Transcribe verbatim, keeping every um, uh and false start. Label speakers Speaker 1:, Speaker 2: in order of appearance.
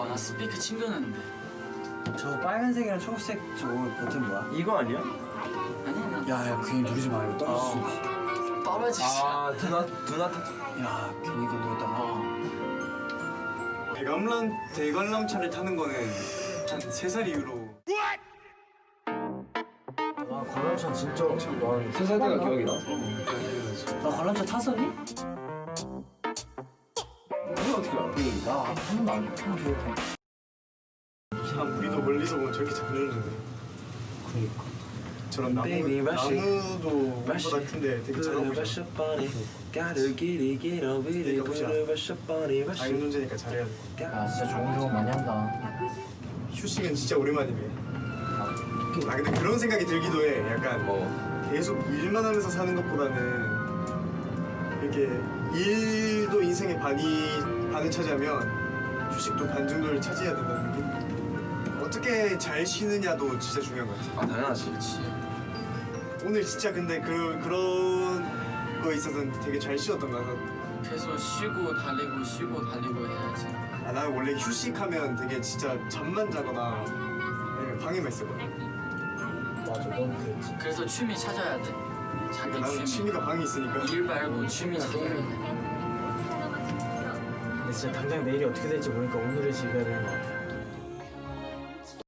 Speaker 1: 와, 나 스피커 챙겨놨는데.
Speaker 2: 저 빨간색이랑 초록색 저거 버튼 뭐야?
Speaker 3: 이거 아니야?
Speaker 1: 아니, 아니.
Speaker 2: 야야 괜히 누르지 마 이거 떨어질 수 있어.
Speaker 1: 떨어지지.
Speaker 3: 아 두나 두나
Speaker 2: 야 괜히 이거 누르다가
Speaker 1: 어.
Speaker 4: 대관람 대관람차를 타는 거는 한 세 살 이후로.
Speaker 5: 아 관람차 진짜 와
Speaker 3: 세 살 때가 기억이 나.
Speaker 2: 나 관람차 탔었니?
Speaker 3: 이거 어떻게 알아?
Speaker 2: 나한 번도 안 탔는데.
Speaker 4: 참 우리도 멀리서 보면 저렇게 잘 누르는데.
Speaker 5: 그러니까
Speaker 4: 저런 나무
Speaker 3: Baby, rush it.
Speaker 4: 나무도 우리보다 큰데 되게 잘 나오잖아. 자기 문제니까 잘해야 돼.
Speaker 5: 아 진짜 좋은 경험 많이 한다.
Speaker 4: 휴식은 진짜 오랜만이네. 아 근데 그런 생각이 들기도 해. 약간
Speaker 3: 뭐
Speaker 4: 계속 일만 하면서 사는 것보다는 이렇게 일도 인생의 반이 반을 차지하면 휴식도 반 정도를 차지해야 된다는 게 어떻게 잘 쉬느냐도 진짜 중요한 것 같아.
Speaker 3: 아 당연하지.
Speaker 4: 오늘 진짜 근데 그 그런 거에 있어서는 되게 잘 쉬었던 것 같아.
Speaker 1: 계속 쉬고 달리고 쉬고 달리고 해야지.
Speaker 4: 아, 나는 원래 휴식하면 되게 진짜 잠만 자거나 아니면 방에만 있었거든.
Speaker 5: 맞아 넌 그랬지.
Speaker 1: 그래서 취미 찾아야 돼. 자기
Speaker 4: 나는
Speaker 1: 취미.
Speaker 4: 취미가 방에 있으니까.
Speaker 1: 일 말고 취미 찾아야 돼.
Speaker 5: 근데 진짜 당장 내일이 어떻게 될지 모르니까 오늘을 즐겨야 되는 것 같아.